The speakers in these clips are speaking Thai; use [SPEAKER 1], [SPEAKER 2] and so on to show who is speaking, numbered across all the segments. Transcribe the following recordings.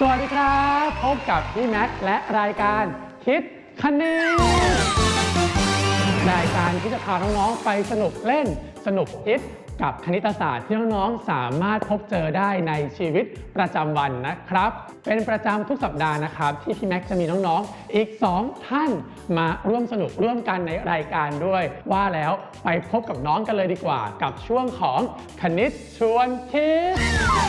[SPEAKER 1] วัสดีครับพบกับพี่แม็กซ์และรายการคิดคณิตรายการที่จะพาน้องๆไปสนุกเล่นสนุกคิดกับคณิตศาสตร์ที่น้องๆสามารถพบเจอได้ในชีวิตประจำวันนะครับเป็นประจำทุกสัปดาห์นะครับที่พี่แม็กซ์จะมีน้องๆอีก2ท่านมาร่วมสนุกร่วมกันในรายการด้วยว่าแล้วไปพบกับน้องกันเลยดีกว่ากับช่วงของคณิตชวนคิด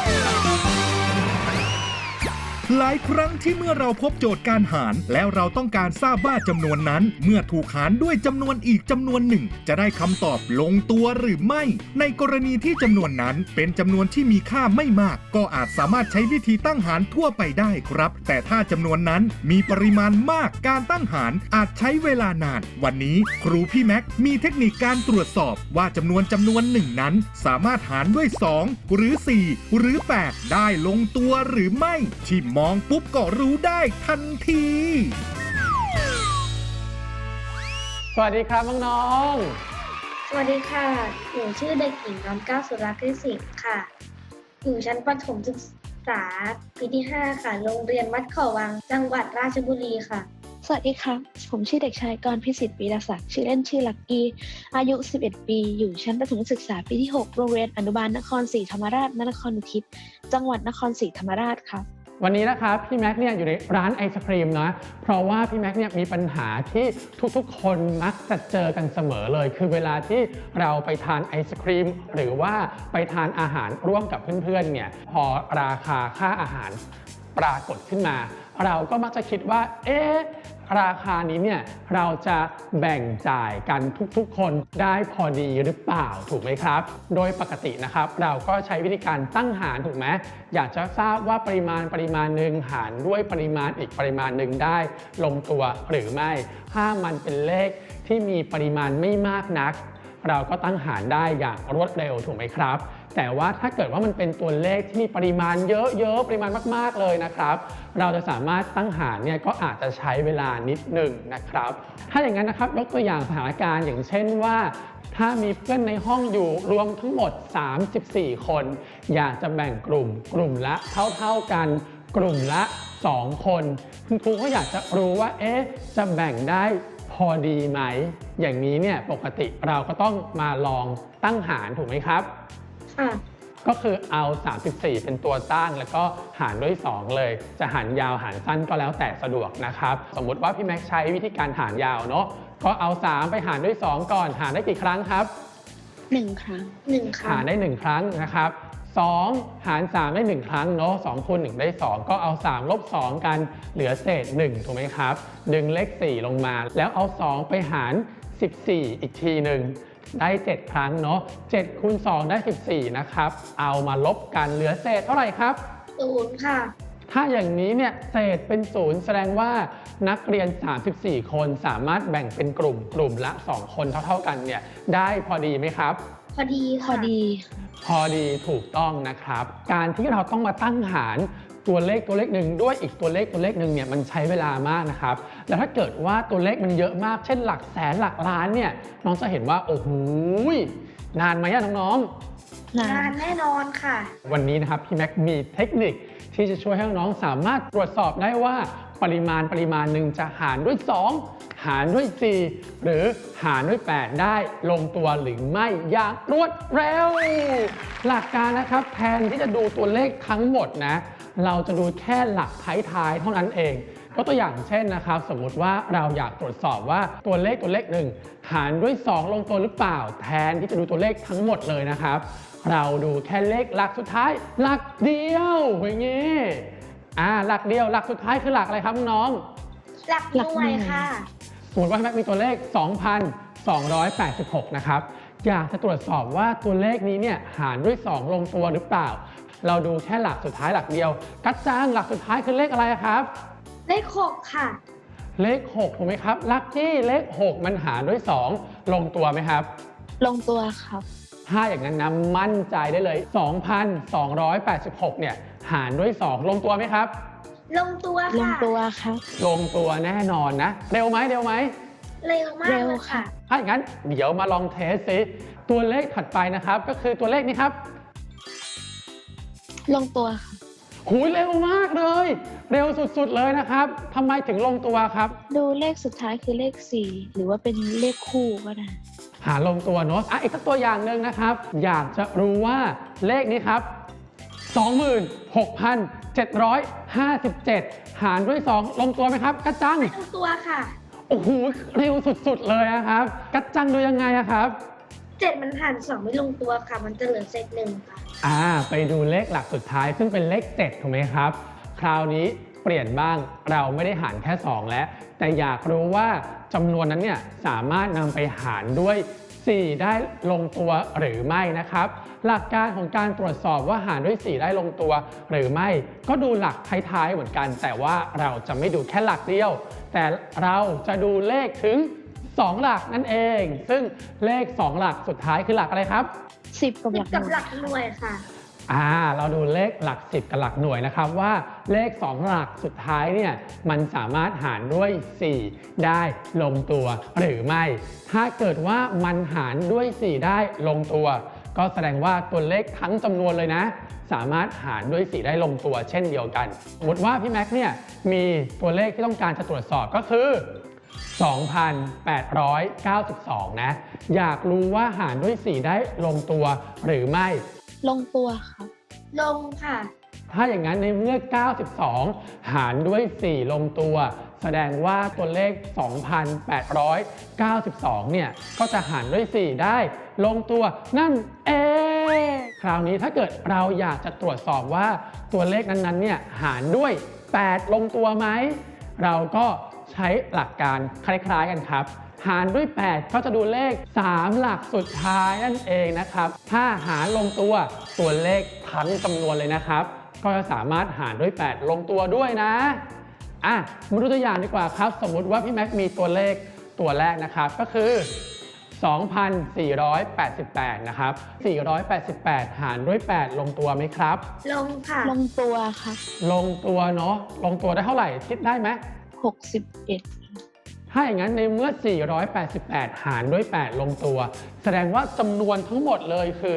[SPEAKER 2] หลายครั้งที่เมื่อเราพบโจทย์การหารแล้วเราต้องการทราบว่าจำนวนนั้นเมื่อถูกหารด้วยจำนวนอีกจำนวนหนึ่งจะได้คำตอบลงตัวหรือไม่ในกรณีที่จำนวนนั้นเป็นจำนวนที่มีค่าไม่มากก็อาจสามารถใช้วิธีตั้งหารทั่วไปได้ครับแต่ถ้าจำนวนนั้นมีปริมาณมากการตั้งหารอาจใช้เวลานานวันนี้ครูพี่แม็กมีเทคนิคการตรวจสอบว่าจำนวนหนึ่งนั้นสามารถหารด้วย2หรือ4หรือ8ได้ลงตัวหรือไม่ที่มองปุ๊บก็รู้ได้ทันที
[SPEAKER 1] สวัสดีครับน้อง
[SPEAKER 3] สวัสดีค่ะหนูชื่อเด็กหญิงน้อมเกล้าสุรักษ์ฤทธิ์สิงห์ค่ะอยู่ชั้นประถมศึกษาปีที่ 5 ค่ะโรงเรียนวัดเขาวังจังหวัดราชบุรีค่ะ
[SPEAKER 4] สวัสดีครับผมชื่อเด็กชายกรพิสิทธิ์ วีรศักดิ์ชื่อเล่นชื่อลักกี้อายุ 11 ปีอยู่ชั้นประถมศึกษาปีที่ 6 โรงเรียนอนุบาลนครศรีธรรมราชนครอุทิศจังหวัดนครศรีธรรมราชครับ
[SPEAKER 1] วันนี้นะครับพี่แม็กเนี่ยอยู่ในร้านไอศครีมนะเพราะว่าพี่แม็กเนี่ยมีปัญหาที่ทุกๆคนมักจะเจอกันเสมอเลยคือเวลาที่เราไปทานไอศครีมหรือว่าไปทานอาหารร่วมกับเพื่อนๆเนี่ยพอราคาค่าอาหารปรากฏขึ้นมาเราก็มักจะคิดว่าราคานี้เนี่ยเราจะแบ่งจ่ายกันทุกๆคนได้พอดีหรือเปล่าถูกไหมครับโดยปกตินะครับเราก็ใช้วิธีการตั้งหารถูกไหมอยากจะทราบว่าปริมาณหนึ่งหารด้วยปริมาณอีกปริมาณหนึ่งได้ลงตัวหรือไม่ถ้ามันเป็นเลขที่มีปริมาณไม่มากนักเราก็ตั้งหารได้อย่างรวดเร็วถูกไหมครับแต่ว่าถ้าเกิดว่ามันเป็นตัวเลขที่มีปริมาณเยอะๆปริมาณมากๆเลยนะครับเราจะสามารถตั้งหารเนี่ยก็อาจจะใช้เวลานิดหนึ่งนะครับถ้าอย่างนั้นนะครับยกตัวอย่างสถานการณ์อย่างเช่นว่าถ้ามีเพื่อนในห้องอยู่รวมทั้งหมด34คนอยากจะแบ่งกลุ่มละเท่ากันกลุ่มละ2คนคุณครูก็อยากจะรู้ว่าจะแบ่งได้พอดีไหมอย่างนี้เนี่ยปกติเราก็ต้องมาลองตั้งหารถูกไหมครับก็คือเอา34เป็นตัวตั้งแล้วก็หารด้วย2เลยจะหารยาวหารสั้นก็แล้วแต่สะดวกนะครับสมมุติว่าพี่แม็กใช้วิธีการหารยาวเนาะก็เอา3ไปหารด้วย2ก่อนหารได้กี่ครั้งครับ
[SPEAKER 4] 1 ครั้ง
[SPEAKER 1] หารได้1ครั้งนะครับ2หาร3ได้1ครั้งเนาะ2คูณ1ได้2ก็เอา3ลบ2กันเหลือเศษ1ถูกไหมครับดึงเลข4ลงมาแล้วเอา2ไปหาร14อีกทีหนึ่งได้7ครั้งเนาะ7คูณ2ได้14นะครับเอามาลบกันเหลือเศษเท่าไหร่ครับ
[SPEAKER 3] 0ค่ะ
[SPEAKER 1] ถ้าอย่างนี้เนี่ยเศษเป็น0แสดงว่านักเรียน34คนสามารถแบ่งเป็นกลุ่มละ2คนเท่ากันเนี่ยได้พอดีไหมครับ
[SPEAKER 3] พอดี
[SPEAKER 4] พอ
[SPEAKER 1] ดีถูกต้องนะครับการที่เราต้องมาตั้งหารตัวเลขหนึ่งด้วยอีกตัวเลขหนึ่งเนี่ยมันใช้เวลามากนะครับแล้วถ้าเกิดว่าตัวเลขมันเยอะมากเช่นหลักแสนหลักล้านเนี่ยน้องจะเห็นว่าโอ้โหนานไหมน้อง
[SPEAKER 3] ๆนานแน่นอนค่ะ
[SPEAKER 1] วันนี้นะครับพี่แม็กมีเทคนิคที่จะช่วยให้น้องสามารถตรวจสอบได้ว่าปริมาณหนึ่งจะหารด้วย2หารด้วย4หรือหารด้วย8ได้ลงตัวหรือไม่อย่างรวดเร็วหลักการนะครับแทนที่จะดูตัวเลขทั้งหมดนะเราจะดูแค่หลักท้ายๆเท่านั้นเองก็ตัวอย่างเช่นนะครับสมมุติว่าเราอยากตรวจสอบว่าตัวเลขหนึ่งหารด้วย2ลงตัวหรือเปล่าแทนที่จะดูตัวเลขทั้งหมดเลยนะครับเราดูแค่เลขหลักสุดท้ายหลักเดียวอย่างนี้หลักเดียวหลักสุดท้ายคือหลักอะไรครับน้อง
[SPEAKER 3] หลักหน่วยค่ะ
[SPEAKER 1] สมมติว่าแม็กมีตัวเลข 2,286 นะครับอยากจะตรวจสอบว่าตัวเลขนี้เนี่ยหารด้วย2ลงตัวหรือเปล่าเราดูแค่หลักสุดท้ายหลักเดียวกัจจังหลักสุดท้ายคือเลขอะไรครับ
[SPEAKER 3] เลข6ค่ะ
[SPEAKER 1] เลข6ถูกไหมครับลัคกี้เลข6มันหารด้วย2ลงตัวไหมครับ
[SPEAKER 4] ลงตัวครับ
[SPEAKER 1] ถ้าอย่างนั้นนะมั่นใจได้เลย 2,286 เนี่ยหารด้วย2ลงตัวไหมครับ
[SPEAKER 3] ลงตัวค่ะ
[SPEAKER 4] ลงตัวครับ
[SPEAKER 1] ลงตัวแน่นอนนะเร็วไหม
[SPEAKER 3] เร็วมากเลยค่ะ
[SPEAKER 1] ถ้าอย่างนั้นเดี๋ยวมาลองเทสซิตัวเลขถัดไปนะครับก็คือตัวเลขนี้ครับ
[SPEAKER 4] ลงตัวค่ะ
[SPEAKER 1] หูยเร็วมากเลย เร็วสุดๆเลยนะครับทำไมถึงลงตัวครับ
[SPEAKER 4] ดูเลขสุดท้ายคือเลข 4 หรือว่าเป็นเลขคู่ก็ได้
[SPEAKER 1] หาลงตัวเนอะอีกสักตัวอย่างหนึ่งนะครับ อยากจะรู้ว่าเลขนี้ครับ 26,757 หารด้วย 2 ลงตัวไหมครับกระจัง
[SPEAKER 3] ทั้งตัวค่ะ
[SPEAKER 1] โอ้โหเร็วสุดๆเลยนะครับกระจังดูยังไงอะครับ
[SPEAKER 3] 7 มันหาร 2 ไม่ลงตัวค่ะ มันจะเหลือเศษ1ค่ะ
[SPEAKER 1] ไปดูเลขหลักสุดท้ายซึ่งเป็นเลข 7 ถูกไหมครับ คราวนี้เปลี่ยนบ้างเราไม่ได้หารแค่ 2 แล้ว แต่อยากรู้ว่าจำนวนนั้นเนี่ยสามารถนำไปหารด้วย 4 ได้ลงตัวหรือไม่นะครับ หลักการของการตรวจสอบว่าหารด้วย 4 ได้ลงตัวหรือไม่ ก็ดูหลักท้ายๆเหมือนกัน แต่ว่าเราจะไม่ดูแค่หลักเดียว แต่เราจะดูเลขถึง 2 หลักนั่นเอง ซึ่งเลข 2 หลักสุดท้ายคือหลักอะไรครับ
[SPEAKER 4] 10 กับหลักห
[SPEAKER 3] กับ
[SPEAKER 4] น่วย
[SPEAKER 3] หลักหน่วยค่ะ
[SPEAKER 1] เราดูเลขหลัก 10 กับหลักหน่วยนะครับว่าเลข 2 หลักสุดท้ายเนี่ยมันสามารถหารด้วย 4 ได้ลงตัวหรือไม่ ถ้าเกิดว่ามันหารด้วย 4 ได้ลงตัว ก็แสดงว่าตัวเลขทั้งจำนวนเลยนะ สามารถหารด้วย 4 ได้ลงตัวเช่นเดียวกันสมมติว่าพี่แม็กซ์เนี่ยมีตัวเลขที่ต้องการจะตรวจสอบก็คือ 2,892 นะ อยากรู้ว่าหารด้วย 4 ได้ลงตัวหรือไม่
[SPEAKER 4] ลงตัวครับ
[SPEAKER 3] ลงค่ะ
[SPEAKER 1] ถ้าอย่างนั้นในเมื่อ 92 หารด้วย 4 ลงตัว แสดงว่าตัวเลข 2,892 เนี่ย ก็จะหารด้วย 4 ได้ลงตัวนั่นเอง คราวนี้ถ้าเกิดเราอยากจะตรวจสอบว่าตัวเลขนั้นๆ เนี่ย หารด้วย 8 ลงตัวไหม เราก็ใช้หลักการคล้ายๆกันครับ หารด้วย 8 ก็จะดูเลข 3 หลักสุดท้ายนั่นเองนะครับ ถ้าหารลงตัวเลขทั้งจำนวนเลยนะครับ ก็จะสามารถหารด้วย 8 ลงตัวด้วยนะมาดูตัวอย่างดีกว่าครับ สมมุติว่าพี่แม็กมีตัวเลขตัวแรกนะครับก็คือ 2,488 นะครับ 488 หารด้วย 8 ลงตัวไหมครับ
[SPEAKER 3] ลงค่ะ
[SPEAKER 4] ลงตัวครับ
[SPEAKER 1] ลงตัวเนาะ ลงตัวได้เท่าไหร่คิดได้ไหม
[SPEAKER 4] 61
[SPEAKER 1] ถ้าอย่างนั้นในเมื่อ 488 หารด้วย 8 ลงตัว แสดงว่าจำนวนทั้งหมดเลยคือ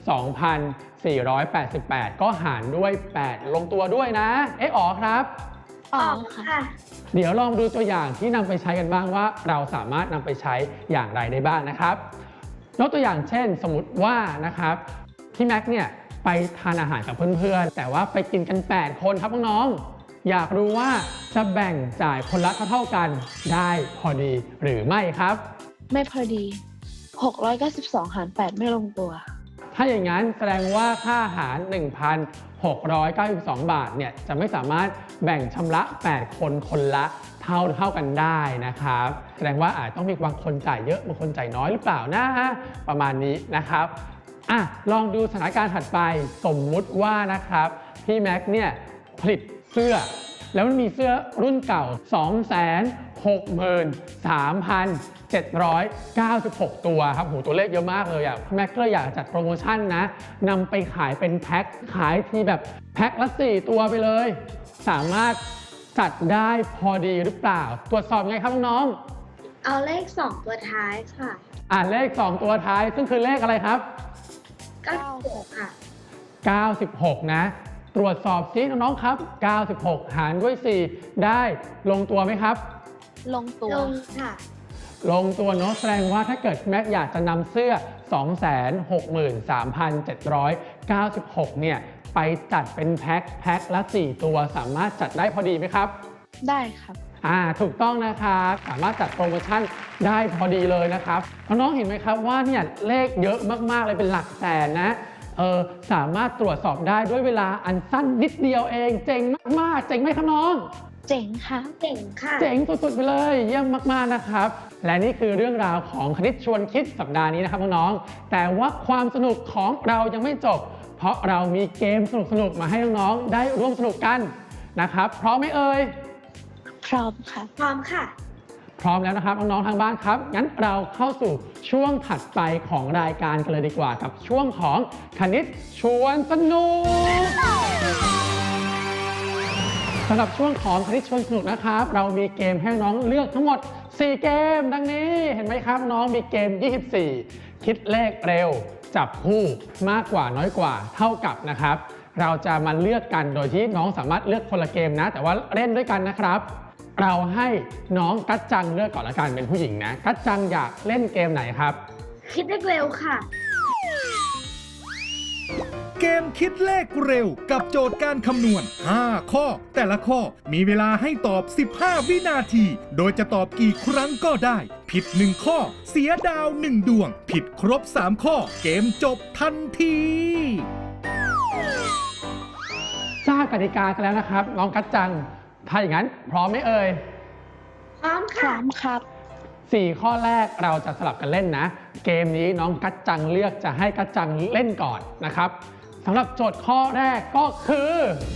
[SPEAKER 1] 2,488 ก็หารด้วย 8 ลงตัวด้วยนะ อ๋อครับ
[SPEAKER 3] ออกค่ะ
[SPEAKER 1] เดี๋ยวลองดูตัวอย่างที่นำไปใช้กันบ้างว่าเราสามารถนำไปใช้อย่างไรได้บ้างนะครับยกตัวอย่างเช่น สมมติว่านะครับพี่แม็กเนี่ยไปทานอาหารกับเพื่อนๆ แต่ว่าไปกินกัน 8 คนครับน้องๆ อยากรู้ว่าจะแบ่งจ่ายคนละเท่าๆกันได้พอดีหรือไม่ครับ
[SPEAKER 4] ไม่พอดี 692 หาร 8 ไม่ลงตัว
[SPEAKER 1] ถ้าอย่างนั้นแสดงว่าค่าอาหาร 1,692 บาทเนี่ยจะไม่สามารถแบ่งชำระ 8 คนคนละเท่ากันได้นะครับ แสดงว่าอาจต้องมีบางคนจ่ายเยอะบางคนจ่ายน้อยหรือเปล่านะประมาณนี้นะครับลองดูสถานการณ์ถัดไปสมมุติว่านะครับพี่แม็กเนี่ยผลิตเสื้อแล้วมันมีเสื้อรุ่นเก่า 263,796 ตัวครับตัวเลขเยอะมากเลยแม็กก็เลยอยากจัดโปรโมชั่นนะนำไปขายเป็นแพ็คขายทีแบบแพ็คละ 4 ตัวไปเลยสามารถจัดได้พอดีหรือเปล่าตรวจสอบไงครับน้อง
[SPEAKER 3] เอาเลข 2 ตัวท้ายค่ะ
[SPEAKER 1] เลข 2 ตัวท้ายซึ่งคือเลขอะไรครับ
[SPEAKER 3] 96 ค่ะ
[SPEAKER 1] 96 นะตรวจสอบซิน้องๆครับ 96 หารด้วย 4 ได้ลงตัวไหมครับ
[SPEAKER 4] ลงตัว
[SPEAKER 3] ลงค่ะ
[SPEAKER 1] ลงตัวเนาะแสดงว่าถ้าเกิดแม็กอยากจะนำเสื้อ 263,796 เนี่ยไปจัดเป็นแพ็คละ 4 ตัวสามารถจัดได้พอดีไหมครับ
[SPEAKER 4] ได้ครับ
[SPEAKER 1] ถูกต้องนะครับสามารถจัดโปรโมชั่นได้พอดีเลยนะครับน้องๆเห็นไหมครับว่าเนี่ยเลขเยอะมากๆเลยเป็นหลักแสนนะสามารถตรวจสอบได้ด้วยเวลาอันสั้นนิดเดียวเองเจ๋งมากๆเจ๋งไหมครับน้อง
[SPEAKER 4] เจ๋งค่ะ
[SPEAKER 3] เจ๋งค่ะ
[SPEAKER 1] เจ๋งสุดๆไปเลยเยี่ยมมากๆนะครับและนี่คือเรื่องราวของคณิตชวนคิดสัปดาห์นี้นะครับน้องๆแต่ว่าความสนุกของเรายังไม่จบเพราะเรามีเกมสนุกๆมาให้น้องๆได้ร่วมสนุกกันนะครับพร้อมไหมเอ่ย
[SPEAKER 4] พร้อมค่ะ
[SPEAKER 3] พร้อมค่ะ
[SPEAKER 1] พร้อมแล้วนะครับน้องๆทางบ้านครับงั้นเราเข้าสู่ช่วงถัดไปของรายการกันเลยดีกว่ากับช่วงของคณิตชวนสนุกสำหรับช่วงของคณิตชวนสนุกนะครับเรามีเกมให้น้องเลือกทั้งหมด4เกมดังนี้เห็นไหมครับน้องมีเกม24คิดเลขเร็วจับคู่มากกว่าน้อยกว่าเท่ากับนะครับเราจะมาเลือกกันโดยที่น้องสามารถเลือกคนละเกมนะแต่ว่าเล่นด้วยกันนะครับ เราให้น้องกัจจังเลือกก่อนละกันเป็นผู้หญิงนะกัจจังอยากเล่นเกมไหนครับ
[SPEAKER 3] คิดได้เร็วค่ะ
[SPEAKER 2] เกมคิดเลขเร็วกับโจทย์การคำนวณ 5 ข้อ แต่ละข้อมีเวลาให้ตอบ 15 วินาที โดยจะตอบกี่ครั้งก็ได้ ผิด 1 ข้อ เสียดาว 1 ดวง ผิดครบ 3 ข้อ เกมจบทันที
[SPEAKER 1] ทราบกติกากันแล้วนะครับ น้องกัจจังถ้าอย่างนั้นพร้อมไหมเอ่ย
[SPEAKER 3] พร้อม
[SPEAKER 4] พร้
[SPEAKER 3] ค่ะ
[SPEAKER 4] อมครับ
[SPEAKER 1] 4 ข้อแรกเราจะสลับกันเล่นนะ เกมนี้น้องกัจจังเลือกจะให้กัจจังเล่นก่อนนะครับสำหรับโจทย์ข้อแรกก็คือ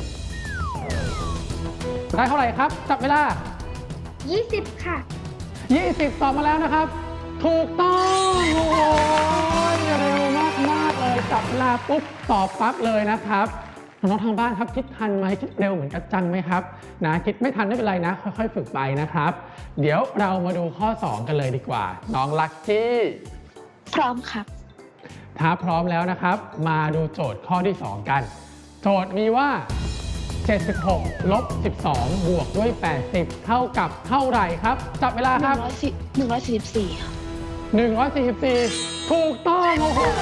[SPEAKER 1] ได้เท่าไหร่ครับจับเวลา
[SPEAKER 3] 20 ค่ะ
[SPEAKER 1] 20 ตอบมาแล้วนะครับ ถูกต้องโอ้โหเร็วมากๆเลยจับเวลาปุ๊บตอบปั๊บเลยนะครับน้องๆทางบ้านครับคิดทันไหมคิดเร็วเหมือนกัจจังไหมครับนะคิดไม่ทันไม่เป็นไรนะค่อยๆฝึกไปนะครับ เดี๋ยวเรามาดูข้อ 2 กันเลยดีกว่า น้องลัคกี้
[SPEAKER 4] พร้อมครับ
[SPEAKER 1] ถ้าพร้อมแล้วนะครับ มาดูโจทย์ข้อที่ 2 กัน โจทย์มีว่า 76 ลบ 12 บวกด้วย 80 เท่ากับเท่าไหร่ครับจับเวลาครับ
[SPEAKER 4] 144 ครับ
[SPEAKER 1] 144 ถูกต้องโอ้โห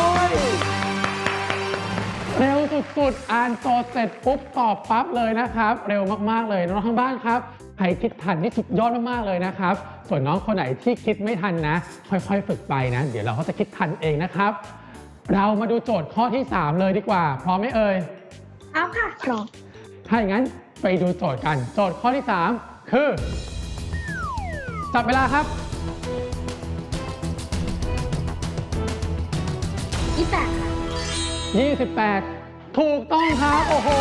[SPEAKER 1] เร็วสุดๆ อ่านโจทย์เสร็จปุ๊บตอบปั๊บเลยนะครับ เร็วมากๆเลยน้องๆทางบ้านครับใครคิดทันนี่สุดยอดมากๆเลยนะครับ ส่วนน้องคนไหนที่คิดไม่ทันนะ ค่อยๆฝึกไปนะ เดี๋ยวเราก็จะคิดทันเองนะครับ เรามาดูโจทย์ข้อที่ 3 เลยดีกว่า พร้อมไหมเอ่ย
[SPEAKER 3] พร้อมค่ะ
[SPEAKER 4] พร้อม
[SPEAKER 1] ถ้าอย่างนั้นไปดูโจทย์กัน โจทย์ข้อที่ 3 คือ จับเวลาครับ
[SPEAKER 3] 28 ค่ะ
[SPEAKER 1] 28 ถูกต้องครับ โอ้โห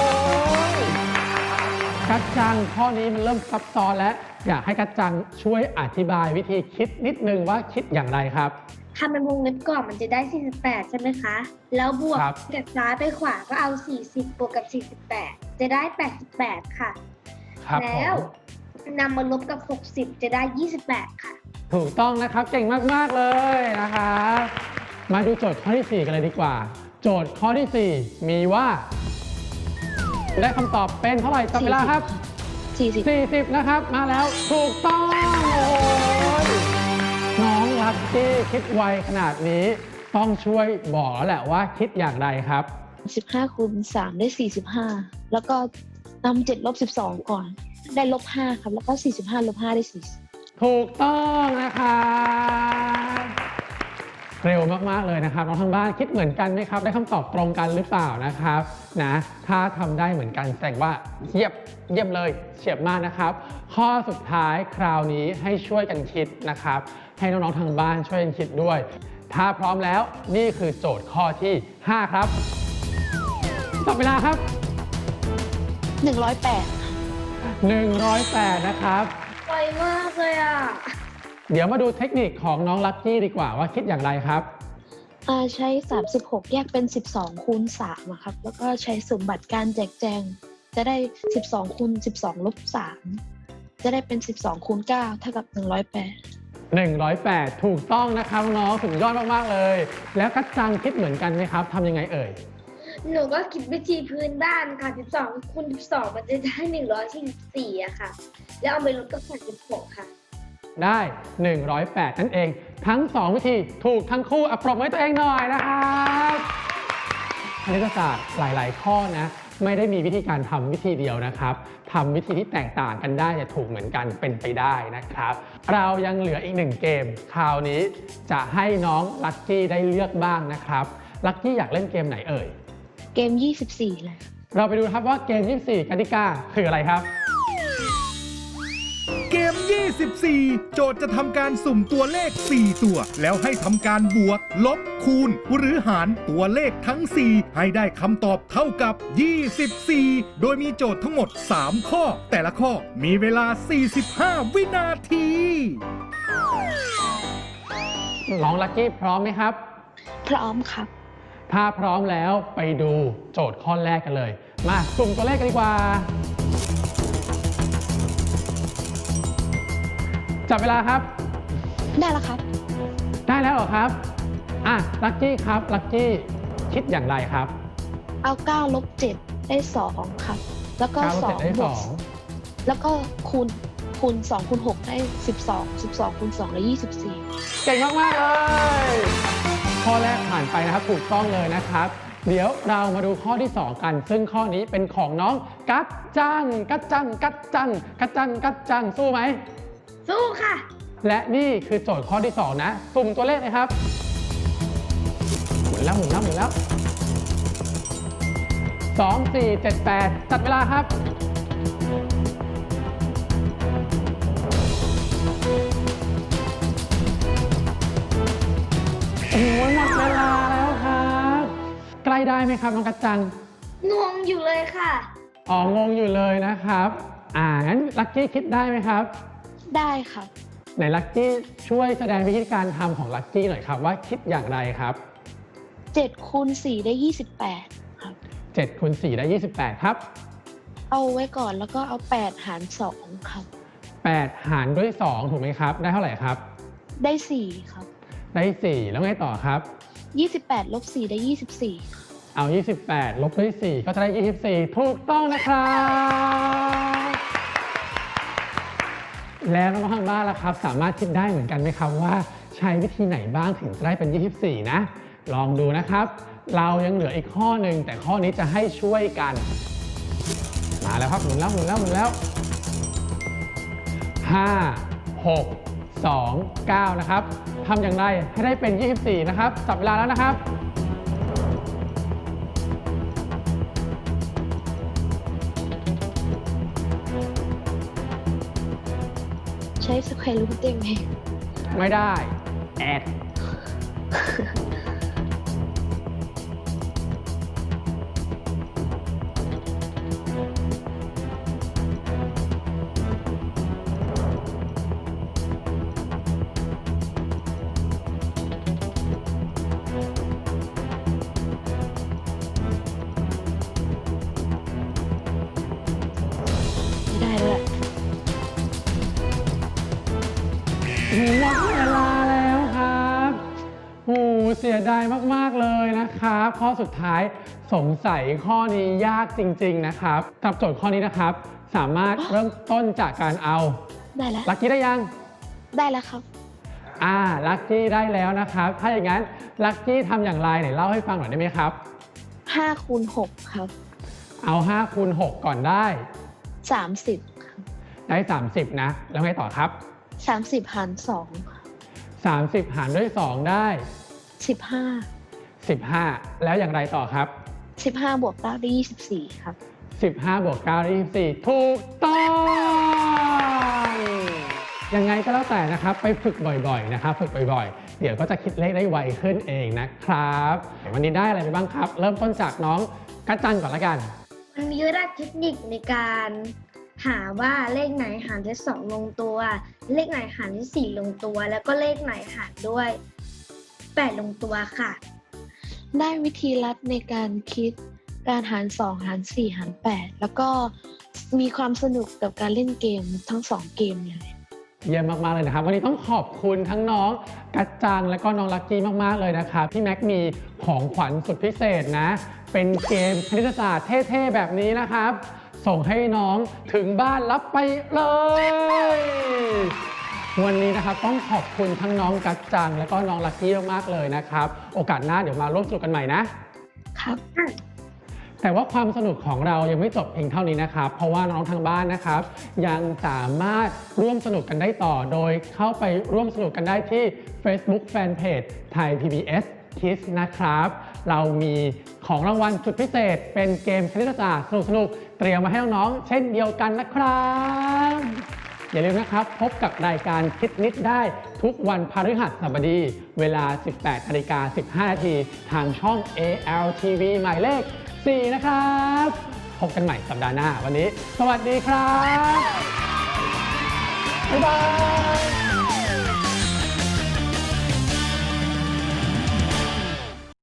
[SPEAKER 1] กัจจังข้อนี้มันเริ่มซับซ้อนแล้ว อยากให้กัจจังช่วยอธิบายวิธีคิดนิดนึงว่าคิดอย่างไรครับ
[SPEAKER 3] ทำเป็นวงเล็บก่อนมันจะได้ 48 ใช่ไหมคะ แล้วบวก
[SPEAKER 1] ครับ
[SPEAKER 3] จากซ้ายไปขวาก็เอา 40 บวกกับ 48 จะได้ 88 ค่ะ
[SPEAKER 1] ครับผ
[SPEAKER 3] แล้ว
[SPEAKER 1] ม
[SPEAKER 3] นำมาลบกับ 60 จะได้ 28 ค่ะ
[SPEAKER 1] ถูกต้องนะครับเก่งมากๆเลยนะครับมาดูโจทย์ข้อที่ 4 กันเลยดีกว่า โจทย์ข้อที่ 4 มีว่า ได้คำตอบเป็นเท่าไหร่จับเวลาครับ
[SPEAKER 4] 40
[SPEAKER 1] 40 นะครับมาแล้วถูกต้องโอ้โหน้องลัคกี้คิดไวขนาดนี้ ต้องช่วยบอกแล้วแหละว่าคิดอย่างไรครับ
[SPEAKER 4] 15 คูณ 3 ได้ 45 แล้วก็นำ7 ลบ 12 ก่อน ได้ลบ 5 ครับ แล้วก็ 45 ลบ 5 ได้ 40
[SPEAKER 1] ถูกต้องนะครับเร็วมากๆเลยนะครับน้องทางบ้านคิดเหมือนกันไหมครับ ได้คำตอบตรงกันหรือเปล่านะครับนะถ้าทำได้เหมือนกันแสดงว่าเยี่ยมเลยเฉียบมากนะครับ ข้อสุดท้ายคราวนี้ให้ช่วยกันคิดนะครับ ให้น้องๆทางบ้านช่วยกันคิดด้วย ถ้าพร้อมแล้วนี่คือโจทย์ข้อที่ 5 ครับจับเวลาครับ
[SPEAKER 4] 108
[SPEAKER 1] 108 นะครับ
[SPEAKER 3] ไวมากเลยอ่ะ
[SPEAKER 1] เดี๋ยวมาดูเทคนิคของน้องลัคกี้ดีกว่าว่าคิดอย่างไรครับ
[SPEAKER 4] ใช้ 36 แยกเป็น 12 คูณ 3อะครับ แล้วก็ใช้สมบัติการแจกแจง จะได้ 12 คูณ 12 ลบ 3 จะได้เป็น 12 คูณ 9 เท่ากับ 108
[SPEAKER 1] 108 ถูกต้องนะครับน้องสุดยอดมากๆเลย แล้วกัจจังคิดเหมือนกันไหมครับทำยังไงเอ่ย
[SPEAKER 3] หนูก็คิดวิธีพื้นบ้านค่ะ 12 คูณ 12 มันจะได้ 144อะค่ะ แล้วเอาไปลบกับ36 ค่ะ
[SPEAKER 1] ได้ 108 นั่นเอง ทั้ง 2 วิธีถูกทั้งคู่ปรบมือให้ตัวเองหน่อยนะครับคณิตศาสตร์หลายๆ ข้อนะไม่ได้มีวิธีการทำวิธีเดียวนะครับทำวิธีที่แตกต่างกันได้จะถูกเหมือนกันเป็นไปได้นะครับ เรายังเหลืออีก1เกมคราวนี้จะให้น้องลัคกี้ได้เลือกบ้างนะครับลัคกี้อยากเล่นเกมไหนเอ่ย
[SPEAKER 4] เกม 24 เลย
[SPEAKER 1] เราไปดูครับว่าเกม 24 กติกาคืออะไรครับ
[SPEAKER 2] เกม 24 โจทย์จะทำการสุ่มตัวเลข 4 ตัว แล้วให้ทำการบวก ลบ คูณ หรือหารตัวเลขทั้ง 4 ให้ได้คำตอบเท่ากับ 24 โดยมีโจทย์ทั้งหมด 3 ข้อ แต่ละข้อมีเวลา 45 วินาที
[SPEAKER 1] น้องลัคกี้พร้อมไหมครับ
[SPEAKER 4] พร้อมครับ
[SPEAKER 1] ถ้าพร้อมแล้วไปดูโจทย์ข้อแรกกันเลย มาสุ่มตัวเลขกันดีกว่า จับเวลาครับ
[SPEAKER 4] ได้แล้วครับ
[SPEAKER 1] ได้แล้วเหรอครับ ลัคกี้ครับ ลัคกี้คิดอย่างไรครับ
[SPEAKER 4] เอา9ลบ7ได้2ครับแล้วก็
[SPEAKER 1] 9 ลบ 7 ได้
[SPEAKER 4] 2บวกแล้วก็คูณ2คูณ6ได้12คูณ2ได้24
[SPEAKER 1] เก่งมากๆเลยข้อแรกผ่านไปนะครับถูกต้องเลยนะครับเดี๋ยวเรามาดูข้อที่ 2 กันซึ่งข้อนี้เป็นของน้องกัจจังสู้ไหม
[SPEAKER 3] สู้ค่ะ
[SPEAKER 1] และนี่คือโจทย์ข้อที่ 2 นะสุ่มตัวเลขเลยครับหมุนแล้ว2 4 7 8จัดเวลาครับโอ้ยหมดเวลาแล้วครับใกล้ได้ไหมครับน้องกัจจัง
[SPEAKER 3] งงอยู่เลยค่ะ
[SPEAKER 1] งงอยู่เลยนะครับงั้นลักกี้คิดได้ไหมครับ
[SPEAKER 4] ได้ครับ
[SPEAKER 1] ไหนลักกี้ช่วยแสดงวิธีการทำของลักกี้หน่อยครับว่าคิดอย่างไรครับ
[SPEAKER 4] 7คูณ4ได้28ครับ
[SPEAKER 1] 7คูณ4ได้28ครับ
[SPEAKER 4] เอาไว้ก่อนแล้วก็เอา8หาร2ครับ
[SPEAKER 1] 8หารด้วย2ถูกไหมครับได้เท่าไหร่ครับ
[SPEAKER 4] ได้4ครับ
[SPEAKER 1] ได้4แล้วไงต่อครับ
[SPEAKER 4] 28ลบ4ได้24
[SPEAKER 1] เอา28ลบด้วย4ก็จะได้24ถูกต้องนะครับแล้วน้องๆทางบ้านล่ะครับสามารถคิดได้เหมือนกันไหมครับว่าใช้วิธีไหนบ้างถึงจะได้เป็น24นะลองดูนะครับเรายังเหลืออีกข้อหนึ่งแต่ข้อนี้จะให้ช่วยกันมาแล้วครับหมุนแล้ว5 6 2 9นะครับทำอย่างไรให้ได้เป็น24นะครับจับเวลาแล้วนะครับ
[SPEAKER 4] ใช้สแควร์รูทได้ไหม
[SPEAKER 1] ไม่ได้แอด
[SPEAKER 4] ได้เลย
[SPEAKER 1] หมดเวลาแล้วครับเสียดายมากๆเลยนะครับข้อสุดท้ายสงสัยข้อนี้ยากจริงๆนะครับสำหรับโจทย์ข้อนี้นะครับสามารถเริ่มต้นจากการเอา
[SPEAKER 4] ได้แล้ว
[SPEAKER 1] ลักกี้ได้ยัง
[SPEAKER 4] ได้แล้วครับ
[SPEAKER 1] ลักกี้ได้แล้วนะครับถ้าอย่างนั้นลักกี้ทำอย่างไรไหนเล่าให้ฟังหน่อยได้ไหมครับ
[SPEAKER 4] 5คูณ6ครับ
[SPEAKER 1] เอา5คูณ6ก่อนได้
[SPEAKER 4] 30ครับ
[SPEAKER 1] ได้30นะแล้วไงต่อครับ
[SPEAKER 4] 30หาร2
[SPEAKER 1] 30หารด้วย2ได้15แล้วอย่างไรต่อครับ
[SPEAKER 4] 15บวก9ได้24ครับ
[SPEAKER 1] 15บวก9ได้24ถูกต้องยังไงก็แล้วแต่นะครับไปฝึกบ่อยๆนะครับฝึกบ่อยๆเดี๋ยวก็จะคิดเลขได้ไวขึ้นเองนะครับวันนี้ได้อะไรไปบ้างครับเริ่มต้นจากน้องกัจจันก่อนละกัน
[SPEAKER 3] มันมีหลักเทคนิคในการหาว่าเลขไหนหารด้วย2ลงตัวเลขไหนหารด้วย4ลงตัวแล้วก็เลขไหนหารด้วย8ลงตัวค่ะ
[SPEAKER 4] ได้วิธีลัดในการคิดการหาร2หาร4หาร8แล้วก็มีความสนุกกับการเล่นเกมทั้ง2เกมเลย
[SPEAKER 1] เยี่ยมมากๆเลยนะครับวันนี้ต้องขอบคุณทั้งน้องกัจจังและก็น้องลักกี้มากๆเลยนะครับพี่แม็กมีของขวัญสุดพิเศษนะเป็นเกมคณิตศาสตร์เท่ๆแบบนี้นะครับส่งให้น้องถึงบ้านรับไปเลยวันนี้นะครับต้องขอบคุณทั้งน้องกัจจังและก็น้องลักกี้มากๆเลยนะครับโอกาสหน้าเดี๋ยวมาร่วมสนุกกันใหม่นะครับแต่ว่าความสนุกของเรายังไม่จบเพียงเท่านี้นะครับเพราะว่าน้องทางบ้านนะครับยังสามารถร่วมสนุกกันได้ต่อโดยเข้าไปร่วมสนุกกันได้ที่ Facebook Fanpage ไทย PBS Kids นะครับเรามีของรางวัลสุดพิเศษเป็นเกมคณิตศาสตร์สนุกๆเตรียมมาให้น้องๆเช่นเดียวกันนะครับอย่าลืมนะครับพบกับรายการคิดนิดได้ทุกวันพฤหัสบดีเวลา 18:15 น.ทางช่อง ALTV หมายเลข4นะครับพบกันใหม่สัปดาห์หน้าวันนี้สวัสดีครับบ๊ายบาย